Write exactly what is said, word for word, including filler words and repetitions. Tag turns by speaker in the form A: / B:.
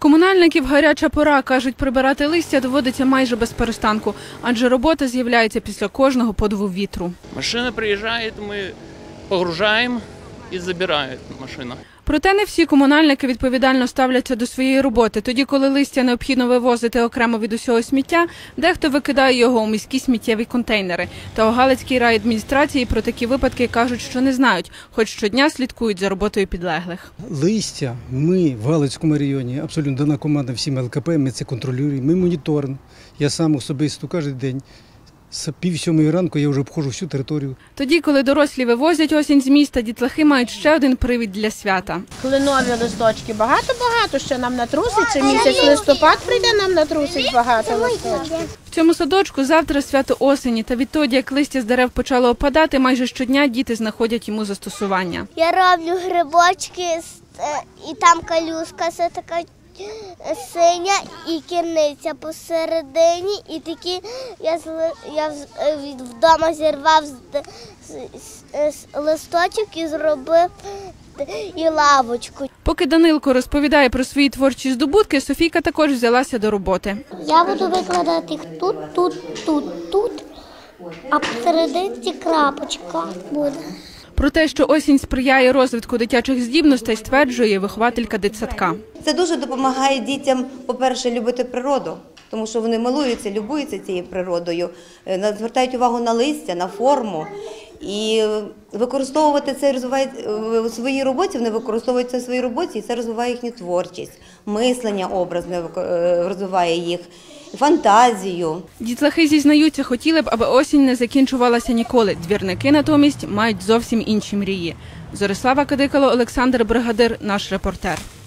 A: Комунальників гаряча пора. Кажуть, прибирати листя доводиться майже без перестанку, адже робота з'являється після кожного подуву вітру.
B: Машина приїжджає, ми погружаємо і забирає машина.
A: Проте не всі комунальники відповідально ставляться до своєї роботи. Тоді, коли листя необхідно вивозити окремо від усього сміття, дехто викидає його у міські сміттєві контейнери. Та у Галицькій райадміністрації про такі випадки кажуть, що не знають, хоч щодня слідкують за роботою підлеглих.
C: Листя ми в Галицькому районі, абсолютно дана команда всім ел ка пе, ми це контролюємо, ми моніторимо. Я сам особисто кожен день. З пів сьомої ранку я вже обходжу всю територію.
A: Тоді, коли дорослі вивозять осінь з міста, дітлахи мають ще один привід для свята.
D: Кленові листочки багато-багато ще нам натрусить. Це місяць листопад прийде, нам натрусить багато листочків.
A: В цьому садочку завтра свято осені. Та відтоді, як листя з дерев почало опадати, майже щодня діти знаходять йому застосування.
E: Я роблю грибочки, і там калюшка, це така синя і кірниця посередині, і такі я, я вдома зірвав листочок і зробив і лавочку.
A: Поки Данилко розповідає про свої творчі здобутки, Софійка також взялася до роботи.
E: Я буду викладати їх тут, тут, тут, тут, а посередині крапочка буде.
A: Про те, що осінь сприяє розвитку дитячих здібностей, стверджує вихователька дитсадка.
F: Це дуже допомагає дітям, по-перше, любити природу, тому що вони милуються, любуються цією природою, звертають увагу на листя, на форму. І використовувати це розвиває у своїй роботі, вони використовують це в своїй роботі, і це розвиває їхню творчість, мислення образне розвиває їх, фантазію.
A: Дітлахи зізнаються, хотіли б, аби осінь не закінчувалася ніколи. Двірники натомість мають зовсім інші мрії. Зорислава Кадикало, Олександр Бригадир, наш репортер.